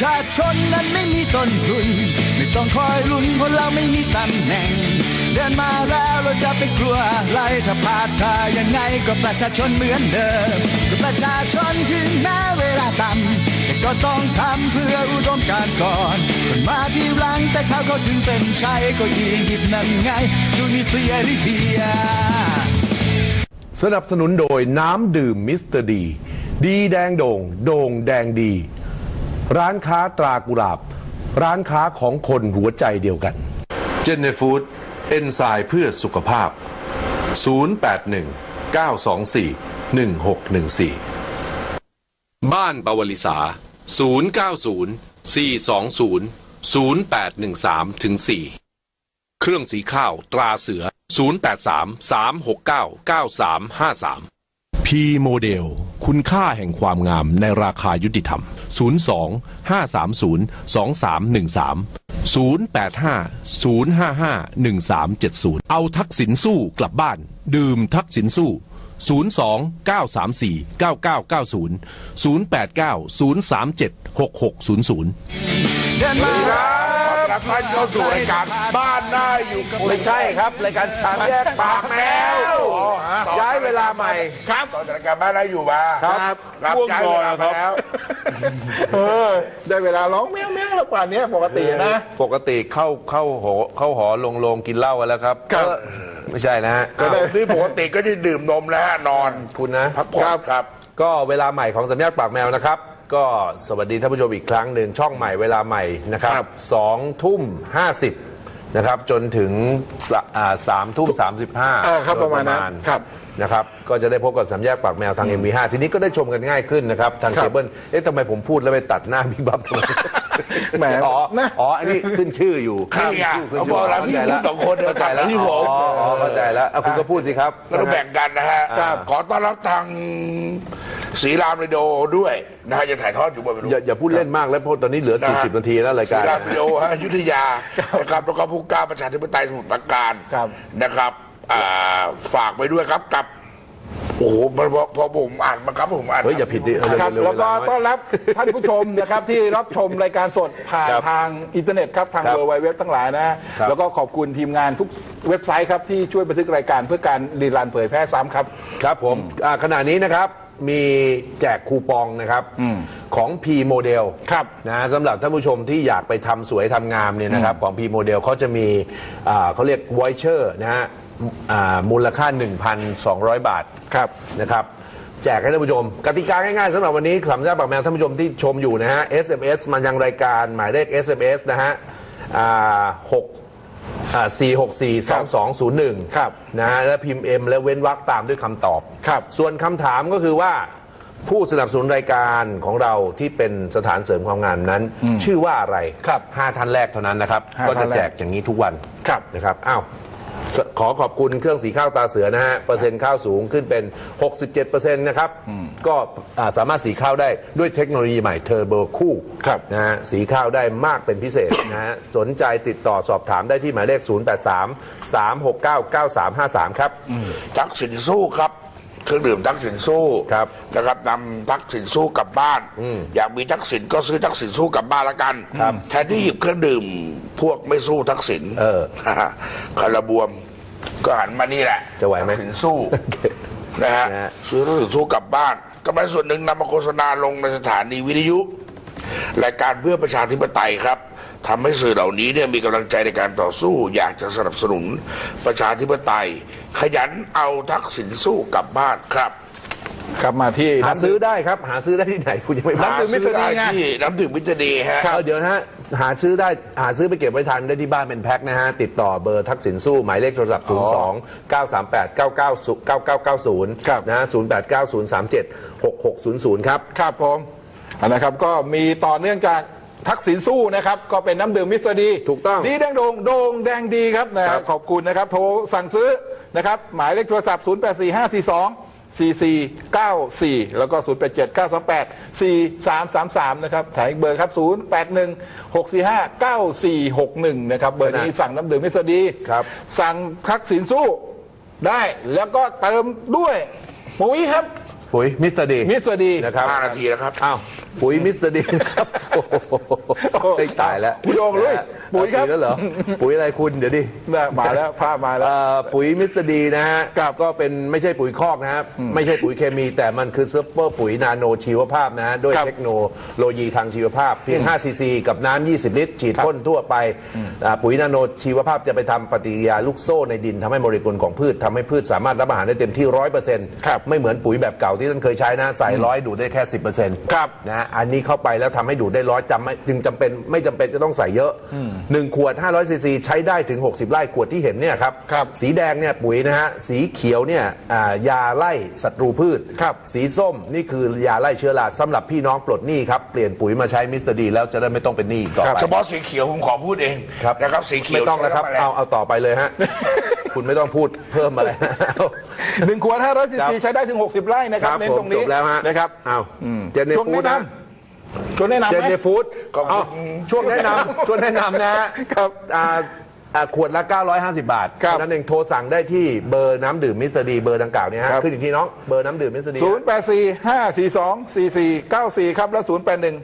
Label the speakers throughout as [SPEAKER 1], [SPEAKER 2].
[SPEAKER 1] ชาชนนั้นไม่มีต้นทุนไม่ต้องคอยลุ้นเพราะเราไม่มีตำแหน่งเดินมาแล้วเราจะไปกลัวอะไรถ้าพลาดท่ายังไงก็ประชาชนเหมือนเดิมก็ประชาชนถึงแม้เวลาต่ำแต่ก็ต้องทำเพื่ออุดมการณ์ก่อนคนมาที่หลังแต่เขาก็ถึงเส้นชัยก็ยีหยิบนั่นไงดูนี่เสียริเดีย
[SPEAKER 2] สนับสนุนโดยน้ำดื่มมิสเตอร์ดีดีแดงโด่งโด่งแดงดีร้านค้าตรากุหลาบร้านค้าของคนหัวใจเดียวกันเจนเนฟูดเอนไซม์เพื่อสุขภาพ0819241614บ้านปวลิสา0904200813-4เครื่องสีข้าวตราเสือ0833699353พีโมเดลคุณค่าแห่งความงามในราคายุติธรรม02-530-2313 0850551370เอาทักษิณสู้กลับบ้านดื่มทักษิณสู้02-934-9990 0890376600
[SPEAKER 3] เดินมาครับท่านเข้าสู่รายการบ้านน่าอยู่
[SPEAKER 2] ไม่ใช่ครับรายการสามแยกปากแมวย้ายเวลาใหม่
[SPEAKER 3] ครับตอนรายการบ้านน่าอยู่มา
[SPEAKER 2] ครับ
[SPEAKER 3] ย้ายเวลามาแล้ว
[SPEAKER 4] ได้เวลาร้องแมวแมวแล้วป่านนี้ปกตินะ
[SPEAKER 2] ปกติเข้าหอลงกินเหล้ากันแล้วครับไม่ใช่นะฮะ
[SPEAKER 3] ก็ได้ที่ปกติก็จะดื่มนมแล้วนอน
[SPEAKER 2] คุณนะ
[SPEAKER 3] พักผ่อนครับ
[SPEAKER 2] ก็เวลาใหม่ของสามแยกปากแมวนะครับก็สวัสดีท่านผู้ชมอีกครั้งหนึ่งช่องใหม่เวลาใหม่นะครับ20:50นะครับจนถึง3:35
[SPEAKER 4] ครับประมาณนั้นครับ
[SPEAKER 2] นะครับก็จะได้พบกับสามแยกปากแมวทาง MV5 ทีนี้ก็ได้ชมกันง่ายขึ้นนะครับทางเคเบิลทำไมผมพูดแล้วไปตัดหน้าบิ๊กบัฟทำไม
[SPEAKER 4] แหม
[SPEAKER 2] อ๋ออันนี้ขึ้นชื่ออยู่
[SPEAKER 3] ขึ้นชื่อเขาบอกแล้วพี่พูด2คน
[SPEAKER 2] เข้าใจแล้ว
[SPEAKER 3] ที่ผม
[SPEAKER 2] เข้าใจแล้วคุณก็พูดสิครับ
[SPEAKER 3] เราแบ่งกันนะฮะขอต้อนรับทางศรีรามเรดิโอด้วยนะฮะจะถ่ายทอดอยู่บน
[SPEAKER 2] อย่าพูดเล่นมากแล้วเพราะตอนนี้เหลือ40นาทีแล้วรายการ
[SPEAKER 3] ศรีรามเรดิโออยุธยานะครับแล้วก็ผู้กล้าประชาธิปไตยสมุทรปราการนะครับฝากไปด้วยครับกับโอ้โหพอผมอ่านมาครับผมอ่าน
[SPEAKER 2] อย่าผิดดิ
[SPEAKER 4] ครับแล้วก็ต้อนรับท่านผู้ชมนะครับที่รับชมรายการสดผ่านทางอินเทอร์เน็ตครับทางเว็บทั้งหลายนะแล้วก็ขอบคุณทีมงานทุกเว็บไซต์ครับที่ช่วยบันทึกรายการเพื่อการรีรันเผยแพร่ซ้ำครับ
[SPEAKER 2] ครับผมขณะนี้นะครับมีแจกคูปองนะครับของ P Model นะสำหรับท่านผู้ชมที่อยากไปทำสวยทำงามเนี่ยนะครับของ P Model เขาจะมีเขาเรียก Voucher นะฮะมูลค่า 1,200 บาทนะครับแจกให้ท่านผู้ชมกติกาง่ายๆสำหรับวันนี้สามแยกปากแมวท่านผู้ชมที่ชมอยู่นะฮะ SMS มายังรายการหมายเลข SMS นะฮะ4642201นะฮะและพิมพ์ M และเว้นวรรคตามด้วยคำตอบส่วนคำถามก็คือว่าผู้สนับสนุนรายการของเราที่เป็นสถานเสริมความงามนั้นชื่อว่าอะไร5ท่านแรกเท่านั้นนะครับก็จะแจกอย่างนี้ทุกวันนะครับอ้าวขอขอบคุณเครื่องสีข้าวตาเสือนะฮะเปอร์เซ็นต์ข้าวสูงขึ้นเป็น 67% นะครับก็สามารถสีข้าวได้ด้วยเทคโนโลยีใหม่เทอร์โบคู่นะฮะสีข้าวได้มากเป็นพิเศษนะฮะสนใจติดต่อสอบถามได้ที่หมายเลข 0833699353 ครับ
[SPEAKER 3] ทักษิณสู้ครับเครื่องดื่มทักษิณสู้นะครับนำทักษิณสู้กลับบ้านอยากมีทักษิณก็ซื้อทักษิณสู้กลับบ้านละกันแทนที่หยิบเครื่องดื่มพวกไม่สู้ทักษิณคาราบวมก็หันมานี่แหละ
[SPEAKER 2] จะไหวไหม
[SPEAKER 3] ทักษิณสู้นะฮะซื้อทักษิณสู้กลับบ้านกำไรส่วนหนึ่งนำมาโฆษณาลงในสถานีวิทยุรายการเพื่อประชาธิปไตยครับทำให้สื่อเหล่านี้เนี่ยมีกำลังใจในการต่อสู้อยากจะสนับสนุนประชาธิปไตยขยันเอาทักษิณสู้กลับบ้านครับ
[SPEAKER 4] กลับมาที่
[SPEAKER 2] หาซื้อได้ครับหาซื้อได้ที่ไหนคุณยังไม่
[SPEAKER 3] หาซื้อได้ที่น้ำดื่มมิตรดีฮะ
[SPEAKER 2] เดี๋ยวนะฮะหาซื้อได้หาซื้อไปเก็บไว้ทันได้ที่บ้านเป็นแพ็คนะฮะติดต่อเบอร์ทักษิณสู้หมายเลขโทรศัพท์02-938-9990นะฮะ0890376600ครับ
[SPEAKER 4] ครับผมนะครับก็มีต่อเนื่องจากทักษิณสู้นะครับก็เป็นน้ำดื่มมิสเตอร์ดี
[SPEAKER 2] ถูกต้อง
[SPEAKER 4] ดีแดงโด่งแดงดีครับนะขอบคุณนะครับโทรสั่งซื้อนะครับหมายเลขโทรศัพท์0845424494แล้วก็0879284333นะครับถ่ายอีกเบอร์ครับ0816459461นะครับเบอร์นี้สั่งน้ำดื่มมิสเตอร์ดีสั่งทักษิณสู้ได้แล้วก็เติมด้วยปุ๋ยครับ
[SPEAKER 2] ปุ๋ยมิสเตอร์ดี
[SPEAKER 4] นะครับ
[SPEAKER 3] 5 นาทีแล้วครับ
[SPEAKER 2] อ้าวปุ๋ยมิสเตอร์ดีครับเฮ้ยตายแล้ว
[SPEAKER 4] คุณโดงลุยปุ๋ยครับ
[SPEAKER 2] แล้วเหรอปุ๋ยอะไรคุณเดี๋ยวดิ
[SPEAKER 4] มาแล้วภาพมาแล้ว
[SPEAKER 2] ปุ๋ยมิสเตอร์ดีนะฮะก็เป็นไม่ใช่ปุ๋ยคอกนะครับไม่ใช่ปุ๋ยเคมีแต่มันคือซุปเปอร์ปุ๋ยนาโนชีวภาพนะฮะด้วยเทคโนโลยีทางชีวภาพเพียง5 ซีซีกับน้ำ20 ลิตรฉีดพ่นทั่วไปปุ๋ยนาโนชีวภาพจะไปทำปฏิกิริยาลูกโซ่ในดินทำให้โมเลกุลของพืชทำให้พืชสามารถรับอาหารได้เต็มที่ 100% ไม่เหมือนปุ๋ยแบบเก่าที่ท่านเคยใช้นะใส่100ดูดได้แค่ 10% นะอันนี้เข้าไปแล้วทำให้ดูดได้จึงจำเป็นไม่จำเป็นจะต้องใส่เยอะ1 ขวด500 ซีซีใช้ได้ถึง60 ไร่ขวดที่เห็นเนี่ยครับสีแดงเนี่ยปุ๋ยนะฮะสีเขียวเนี่ยยาไล่ศัตรูพืชสีส้มนี่คือยาไล่เชื้อราสำหรับพี่น้องปลดหนี้ครับเปลี่ยนปุ๋ยมาใช้มิสเตอร์ดีแล้วจะได้ไม่ต้องเป็นหนี้ต่อไป
[SPEAKER 3] เฉพาะสีเขียวผมขอพูดเองนะครับสีเขียว
[SPEAKER 2] ไม่ต้องแล้วครับเอาต่อไปเลยฮะ คุณไม่ต้องพูดเพิ่มอะไร
[SPEAKER 4] 1 ขวด500 ซีซีใช้ได้ถึง60 ไร่นะครับเน้นตรงนี้
[SPEAKER 2] จบแล้วฮะ
[SPEAKER 4] นะครับ
[SPEAKER 2] เจนเนฟูด
[SPEAKER 4] ช่วงแนะนำ
[SPEAKER 2] เจนเนฟูดช่วงแนะนำนะครับขวดละ950 บาทนั่นเองโทรสั่งได้ที่เบอร์น้ำดื่มมิสเตอร์ดีเบอร์ดังกล่าวนี้ฮะขึ้นอีกทีน้องเบอร์น้ำดื่มมิสเตอร์ดี
[SPEAKER 4] 0845424494ครับและ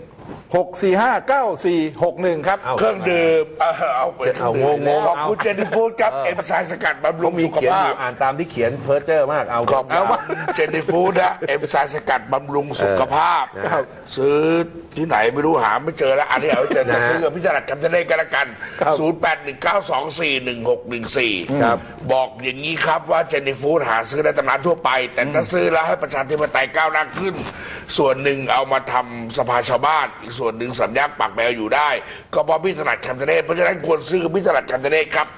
[SPEAKER 4] 0816459461ครับ
[SPEAKER 3] เครื่องดื่มเอางงขอบคุณเจนนี่ฟู้ดครับเอ็มไซม์สกัดบำรุงสุขภาพ
[SPEAKER 2] อ่านตามที่เขียนเพ้อเจ้อมาก
[SPEAKER 3] ขอบคุณเจนนี่ฟู้ดนะเอ็มไซม์สกัดบำรุงสุขภาพซื้อที่ไหนไม่รู้หาไม่เจอแล้วอันนี้เอาเจอแต่ซื้อกับพี่จรัสคำเจริญกันละกัน0819241614บอกอย่างนี้ครับว่าเจนนี่ฟู้ดหาซื้อได้ตามร้านทั่วไปแต่ถ้าซื้อแล้วให้ประชาธิปไตยก้าวหน้าขึ้นส่วนหนึ่งเอามาทำสภาชาวบ้านอีกส่วนหนึ่งสำนักปากแมวอยู่ได้ก็เพราะพี่ถนัดคำเจริญเพราะฉะนั้นควรซื้อกับพี่ถนัดคำเจริญครับ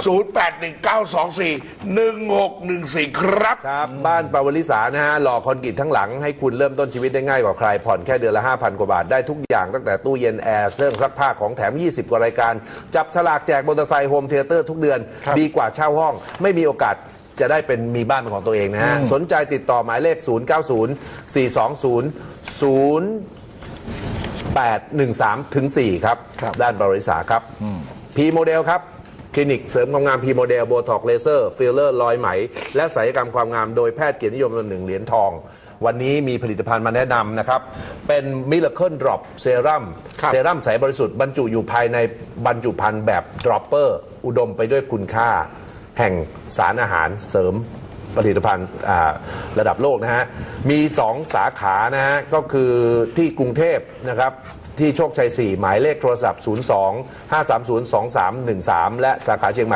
[SPEAKER 3] 0819241614ครับ
[SPEAKER 2] บ้านปาวลิสานะฮะหล่อคอนกรีตทั้งหลังให้คุณเริ่มต้นชีวิตได้ง่ายกว่าใครผ่อนแค่เดือนละ 5,000 กว่าบาทได้ทุกอย่างตั้งแต่ตู้เย็นแอร์เครื่องซักผ้าของแถม20 กว่ารายการจับฉลากแจกมอเตอร์ไซค์โฮมเธียเตอร์ทุกเดือนดีกว่าเช่าห้องไม่มีโอกาสจะได้เป็นมีบ้านเป็นของตัวเองนะฮะสนใจติดต่อหมายเลข0904200813-4ครับด้านบริษัทครับพีโมเดลครับคลินิกเสริมความงามพีโมเดลโบท็อกเลเซอร์ฟิลเลอร์รอยไหมและศัลยกรรมความงามโดยแพทย์เกียรตินิยม1 เหรียญทองวันนี้มีผลิตภัณฑ์มาแนะนำนะครับเป็น Miracle Drop เซรั่มใสบริสุทธิ์บรรจุอยู่ภายในบรรจุภัณฑ์แบบดรอปเปอร์อุดมไปด้วยคุณค่าแห่งสารอาหารเสริมผลิตภัณฑ์ระดับโลกนะฮะมี2 สาขานะฮะก็คือที่กรุงเทพนะครับที่โชคชัย4หมายเลขโทรศัพท์02-530-2313และสาขาเชียงใหม่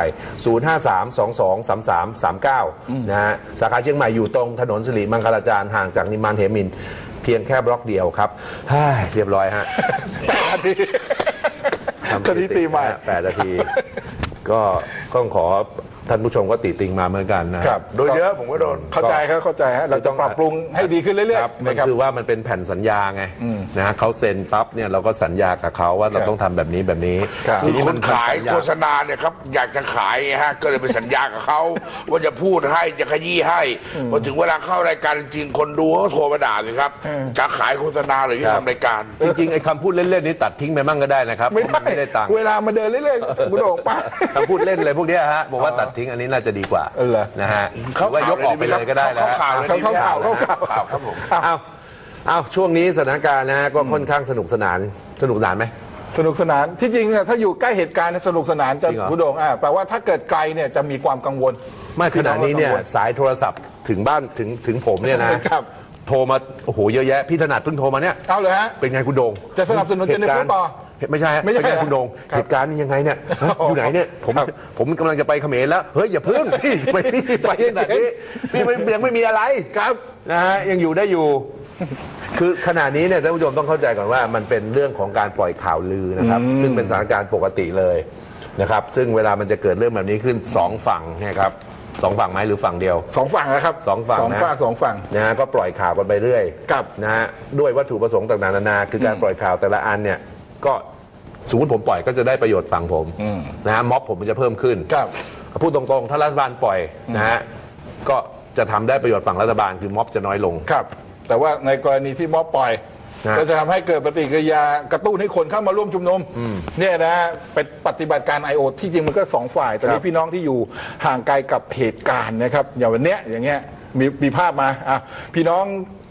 [SPEAKER 2] 053-223339นะฮะสาขาเชียงใหม่อยู่ตรงถนนสิริมังคลาจารย์ห่างจากนิมมานเหมินเพียงแค่บล็อกเดียวครับเรียบร้อยฮะ
[SPEAKER 4] ทำสถิติใหม่
[SPEAKER 2] 8 นาทีก็ต้องขอท่านผู้ชมก็ติติงมาเหมือนกันนะครับ
[SPEAKER 3] โดยเยอะผมก็โดน
[SPEAKER 4] เข้าใจฮะเราจะปรับปรุงให้ดีขึ้นเรื่อยๆ
[SPEAKER 2] มันคือว่ามันเป็นแผ่นสัญญาไงนะฮะเขาเซ็นปั๊บเนี่ยเราก็สัญญากับเขาว่าเราต้องทำแบบนี้
[SPEAKER 3] ทีนี้มันขายโฆษณาเนี่ยครับอยากจะขายฮะก็เลยไปสัญญากับเขาว่าจะพูดให้จะขยี้ให้พอถึงเวลาเข้ารายการจริงคนดูเขาโทรมาด่าเลยครับจะขายโฆษณาหรือจะทำรายการ
[SPEAKER 2] จริงๆไอ้คำพูดเล่นๆนี้ตัดทิ้งไปมั่งก็ได้นะครับ
[SPEAKER 4] ไม่ได้ตังค์เวลามาเดินเรื่อยๆคุณโด่งป้า
[SPEAKER 2] คำพูดเล่นเลยพวกนี้ฮะบอกว่าตัดทิ้งอันนี้น่าจะดีกว่านะฮะว่ายกออกไปเลยก็ได้แล้ว
[SPEAKER 3] ข่าว
[SPEAKER 2] ครับผมเอาช่วงนี้สถานการณ์นะก็ค่อนข้างสนุกสนานไหม
[SPEAKER 4] สนุกสนานที่จริงเนี่ยถ้าอยู่ใกล้เหตุการณ์สนุกสนานจะคุณโด่งแปลว่าถ้าเกิดไกลเนี่ยจะมีความกังวล
[SPEAKER 2] ไม่ขณะนี้เนี่ยสายโทรศัพท์ถึงบ้านถึงผมเนี่ยนะโทรมาโอ้โหเยอะแยะพี่ถนัดเพิ่งโทรมาเนี่ย
[SPEAKER 4] เอาเลยฮะ
[SPEAKER 2] เป็นไงคุณโด่ง
[SPEAKER 4] จะสนับสนุนเจนนี่ต่อ
[SPEAKER 2] ไม่ใช่เป็นไงคุณโด่งเหตุการณ์นี้ยังไงเนี่ยอยู่ไหนเนี่ยผมกำลังจะไปเขมรแล้วเฮ้ยอย่าเพิ่งพี่ไปขนาดนี้พี่ยังไม่มีอะไร
[SPEAKER 4] ครับ
[SPEAKER 2] นะฮะยังอยู่ได้อยู่คือขณะนี้เนี่ยท่านผู้ชมต้องเข้าใจก่อนว่ามันเป็นเรื่องของการปล่อยข่าวลือนะครับซึ่งเป็นสถานการณ์ปกติเลยนะครับซึ่งเวลามันจะเกิดเรื่องแบบนี้ขึ้น2 ฝั่งนะครับ2 ฝั่งไหมหรือฝั่งเดียว
[SPEAKER 4] 2 ฝั่งนะครับ
[SPEAKER 2] 2 ฝั่งนะ
[SPEAKER 4] 2 ฝั่ง
[SPEAKER 2] นะฮะก็ปล่อยข่าวกันไปเรื่อยนะฮะด้วยวัตถุประสงค์ต่างๆนานาคือการปล่อยข่าวแต่ละอันเนี่ยก็สมมติผมปล่อยก็จะได้ประโยชน์ฝั่งผมนะฮะม็อบผมมันจะเพิ่มขึ้นพูดตรงๆถ้ารัฐบาลปล่อยนะฮะก็จะทำได้ประโยชน์ฝั่งรัฐบาลคือม็อบจะน้อยลง
[SPEAKER 4] ครับแต่ว่าในกรณีที่ม็อบปล่อยก็จะทำให้เกิดปฏิกิริยากระตุ้นให้คนเข้ามาร่วมชุมนุมเนี่ยนะเป็นปฏิบัติการ IO ที่จริงมันก็2 ฝ่ายแต่นี้พี่น้องที่อยู่ห่างไกลกับเหตุการณ์นะครับอย่างวันเนี้ยอย่างเงี้ยมีภาพมาพี่น้อง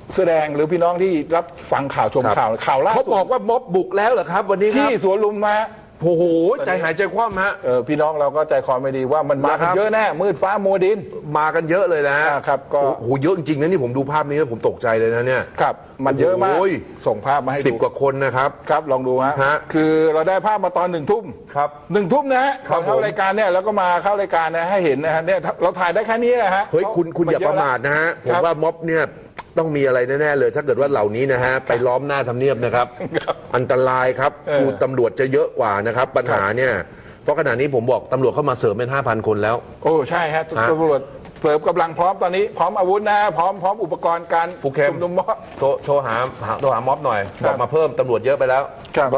[SPEAKER 4] แสดงหรือพี่น้องที่รับฟังข่าวชมข่าวล่า
[SPEAKER 2] เขา
[SPEAKER 4] สุด
[SPEAKER 2] บอกว่าม็อบบุกแล้วเหรอครับ วันนี้ค
[SPEAKER 4] ที่
[SPEAKER 2] รับ
[SPEAKER 4] สวนลุมมา
[SPEAKER 2] โอ้โหใจหายใจคว่ำฮะ
[SPEAKER 4] พี่น้องเราก็ใจคอไม่ดีว่ามันมากันเยอะแน่มืดฟ้ามัวดิน
[SPEAKER 2] มากันเยอะเลยนะฮะ
[SPEAKER 4] ครับก็
[SPEAKER 2] โอ้โหเยอะจริงๆนะนี่ผมดูภาพนี้แล้วผมตกใจเลยนะเนี่ย
[SPEAKER 4] ครับมันเยอะมาก
[SPEAKER 2] โอ้ย
[SPEAKER 4] ส่งภาพมาให้
[SPEAKER 2] 10
[SPEAKER 4] ดู
[SPEAKER 2] กว่าคนนะครับ
[SPEAKER 4] ครับลองดูฮะ
[SPEAKER 2] ฮะ
[SPEAKER 4] คือเราได้ภาพมาตอน1 ทุ่ม
[SPEAKER 2] ครับ
[SPEAKER 4] 1 ทุ่มนะฮะ
[SPEAKER 2] ครั
[SPEAKER 4] ก่
[SPEAKER 2] บ
[SPEAKER 4] อนเข้ารายการเนี่ยแล้วก็มาเข้ารายการนะให้เห็นนะฮะเนี่ยเราถ่ายได้แค่นี้แหละฮะ
[SPEAKER 2] เฮ้ยคุณอย่าประมาทนะฮะผมว่าม็อบเนี่ยต้องมีอะไรแน่ๆเลย ถ้าเกิดว่าเหล่านี้นะฮะไปล้อมหน้าทำเนียบนะครับ อันตรายครับกูตำรวจจะเยอะกว่านะครับปัญหาเนี่ยเพราะขณะนี้ผมบอกตำรวจเข้ามาเสริมเป็น 5,000 คนแล้ว
[SPEAKER 4] โอ้ใช่ฮะตำรวจเสริมกำลังพร้อมตอนนี้พร้อมอาวุธนะฮะพร้อมอุปกรณ์การ
[SPEAKER 2] ผู้เข้ม
[SPEAKER 4] ชุมนุมม็อบ
[SPEAKER 2] โทรหาม็อบหน่อยบอกมาเพิ่มตำรวจเยอะไปแล้ว
[SPEAKER 4] ครับ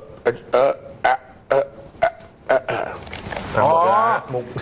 [SPEAKER 2] หมดแล้วฮะมุก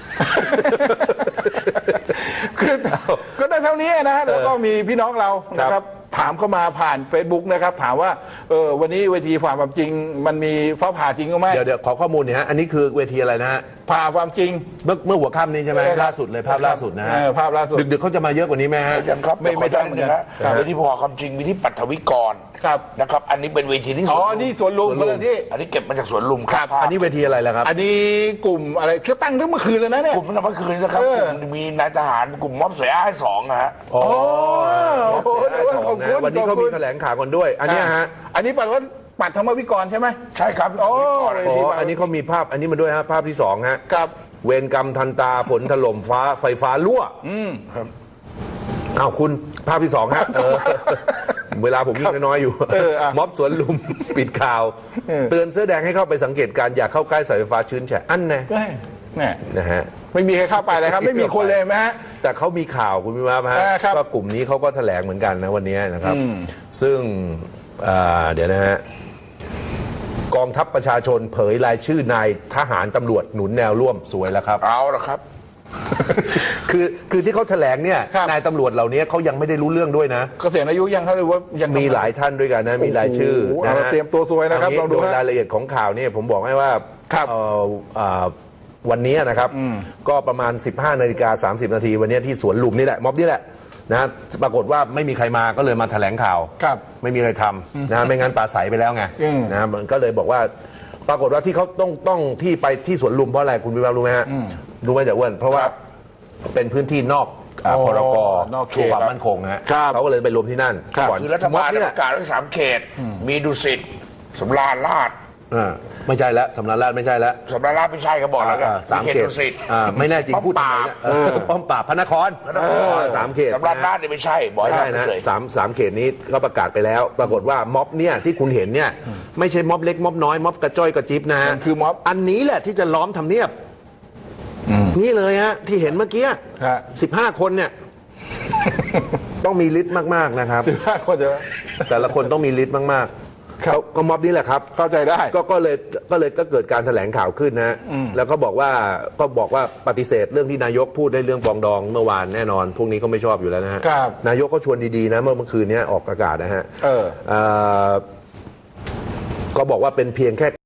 [SPEAKER 4] คือก็ได้เท่านี้นะฮะแล้วก็มีพี่น้องเรานะครับถามเข้ามาผ่าน Facebook นะครับถามว่าวันนี้เวทีผ่าความจริงมันมีฟ้าผ่าจริงหรือไม่
[SPEAKER 2] เดี๋ยวขอข้อมูลหน่อยฮะอันนี้คือเวทีอะไรนะฮะ
[SPEAKER 4] ผ่าความจริง
[SPEAKER 2] เมื่อหัวค่ำนี้ใช่ไหม
[SPEAKER 4] ครับ
[SPEAKER 2] ล่าสุดเลยภาพล่าสุดนะฮะ
[SPEAKER 4] ภาพล่าสุด
[SPEAKER 2] ดึกๆเขาจะมาเยอะกว่านี้ไหมฮะ
[SPEAKER 3] ยังครับ
[SPEAKER 4] ไม่
[SPEAKER 3] ไม่
[SPEAKER 4] ทรา
[SPEAKER 3] ได้
[SPEAKER 4] บเหมื
[SPEAKER 3] เห
[SPEAKER 4] อ
[SPEAKER 3] มื
[SPEAKER 4] น
[SPEAKER 3] อน
[SPEAKER 4] กั
[SPEAKER 3] กัน นเวทีพอความจริงมีที่ปัทวิกร
[SPEAKER 4] ครับ
[SPEAKER 3] นะครับ อันนี้เป็นเวทีที่
[SPEAKER 4] อ๋อ
[SPEAKER 3] สวนลุม
[SPEAKER 4] นี่สวนลุมคนละที่
[SPEAKER 3] อันนี้เก็บมาจากสวนลุมครับ
[SPEAKER 2] อันนี้เวทีอะไรล่ะครับ
[SPEAKER 4] อันนี้กลุ่มอะไรเขาตั้งตั้งเมื่อคืนแล้วนะเนี่ย
[SPEAKER 3] กลุ่มเมื่อคืนนะครับ
[SPEAKER 4] เออ
[SPEAKER 3] กลุ่มมีนายทหารกลุ่มม็อบสวยอ้าย2นะฮะ
[SPEAKER 2] อ๋อ
[SPEAKER 4] โอ้โห
[SPEAKER 2] เสียดายสองนะวันนี้เขามีแถลงข่าวกันด้วย อันเนี้ยฮะ
[SPEAKER 4] อันนี้ปัดว่าปัดธรรมวิกรใช่ไหม
[SPEAKER 3] ใช่ครับ
[SPEAKER 4] โอ้
[SPEAKER 2] อ๋ออันนี้เขามีภาพอันนี้มาด้วยฮะภาพที่สองฮะ
[SPEAKER 4] กับ
[SPEAKER 2] เวรกรรมทันตาฝนถล่มฟ้าไฟฟ้ารั่วอ้าวคุณภาพที่สองฮะเวลาผมวิ่งน้อยๆอยู่ ม็อบสวนลุม ปิดข่าว เตือนเสื้อแดงให้เข้าไปสังเกตการณ์อย่าเข้าใกล้สายไฟฟ้าชื้นแฉะอันแน่
[SPEAKER 4] เนี่ย
[SPEAKER 2] นะฮะ
[SPEAKER 4] ไม่มีใครเข้าไปเลยครับ ไม่มีคนเลยไหมฮะ
[SPEAKER 2] แต่เขามีข่าวคุณพิมาฮะ
[SPEAKER 4] ครับ
[SPEAKER 2] ว่ากลุ่มนี้เขาก็แถลงเหมือนกันนะวันนี้นะครับ ซึ่งเดี๋ยวนะฮะกองทัพประชาชนเผยรายชื่อนายทหารตำรวจหนุนแนวร่วมสวยแล้วครับ
[SPEAKER 3] เอาละครับ
[SPEAKER 2] คือที่เขาแถลงเนี่ย
[SPEAKER 4] ครับ
[SPEAKER 2] นายตำรวจเหล่านี้เขายังไม่ได้รู้เรื่องด้วยนะ
[SPEAKER 4] เกษียณอายุยังเขาเลยว่ายัง
[SPEAKER 2] มีหลายท่านด้วยกันนะมีรายชื่อ
[SPEAKER 4] โอ้โห
[SPEAKER 2] นะฮะ
[SPEAKER 4] เตรียมตัวซวยนะครับ
[SPEAKER 2] เา
[SPEAKER 4] ลองดู
[SPEAKER 2] โดย
[SPEAKER 4] ฮะ
[SPEAKER 2] รายละเอียดของข่าวเนี่ยผมบอกให้ว่า
[SPEAKER 4] ครับ
[SPEAKER 2] วันนี้นะครับก็ประมาณ 15:30 นาทีวันนี้ที่สวนลุมนี่แหละม็อบนี่แหละนะปรากฏว่าไม่มีใครมาก็เลยมาแถลงข่าว
[SPEAKER 4] ครับ
[SPEAKER 2] ไม่มีอะไรทำนะไม่งั้นปราศัยไปแล้วไง นะมันก็เลยบอกว่า ปรากฏว่าที่เขาต้องที่ไปที่สวนลุมเพราะอะไรคุณวิวารู้ไหมฮะรู้ไหมจ๊ะอ้วนเพราะว่าเป็นพื้นที่นอกพรก
[SPEAKER 4] นอกเขต
[SPEAKER 2] ความมั่นคงฮะ
[SPEAKER 4] ครับ
[SPEAKER 2] เขาก็เลยไปรวมที่นั่น
[SPEAKER 4] ครับ
[SPEAKER 2] ก่อน
[SPEAKER 3] คือรัฐบาล
[SPEAKER 2] ม็อบ
[SPEAKER 3] ได้
[SPEAKER 2] เนี่
[SPEAKER 3] ป
[SPEAKER 2] ย
[SPEAKER 3] ระกาศไว้3 เขต มีดุสิตสำราญราษฎร์
[SPEAKER 2] ไม่ใช่แล้วสำนักราชไม่ใช่แล้ว
[SPEAKER 3] สำราญราษฎร์ไม่ใช่ก็บอกแล้วกัน
[SPEAKER 2] สาม
[SPEAKER 3] มี
[SPEAKER 2] เขต
[SPEAKER 3] ดุสิต
[SPEAKER 2] ไม่แน่จริง
[SPEAKER 3] ป้อม
[SPEAKER 2] พูดทำไม
[SPEAKER 3] ปราบ
[SPEAKER 2] เนี่ยป้อมปราบพระนครสามเขต
[SPEAKER 3] สำราญราษฎร์เนี่ยไม่ใช่บอก
[SPEAKER 2] ไม่
[SPEAKER 3] ให้
[SPEAKER 2] ใช่
[SPEAKER 3] ทำ
[SPEAKER 2] นะ
[SPEAKER 3] เฉย
[SPEAKER 2] สามเขตนี้ก็ประกาศไปแล้ว ปรากฏว่าม็อบเนี่ยที่คุณเห็นเนี่ยไม่ใช่ม็อบเล็กม็อบน้อยม็อบกระจ้อยกระจิบนะฮะ
[SPEAKER 4] มันคือม็อบ
[SPEAKER 2] อันนี้แหละที่จะล้อมทำเนียบนี่เลยฮะที่เห็นเมื่อกี้
[SPEAKER 4] ฮะ
[SPEAKER 2] 15 คนเนี่ย ต้องมีฤทธิ์มากๆนะครับ
[SPEAKER 4] 15 คนเดียว
[SPEAKER 2] แต่ละคนต้องมีฤทธิ์มาก
[SPEAKER 4] ครับ
[SPEAKER 2] ๆก็ม็อบนี้แหละครับ
[SPEAKER 4] เข้าใจได้
[SPEAKER 2] ก็เลยเกิดการแถลงข่าวขึ้นนะแล้วก็บอกว่าปฏิเสธเรื่องที่นายกพูดในเรื่องปรองดองเมื่อวานแน่นอน พวกนี้ก็ไม่ชอบอยู่แล้วนะฮะ
[SPEAKER 4] ครับ
[SPEAKER 2] นายกก็ชวนดีๆนะเมื่อคืนนี้ออกอากาศนะฮะก็บอกว่าเป็นเพียงแค่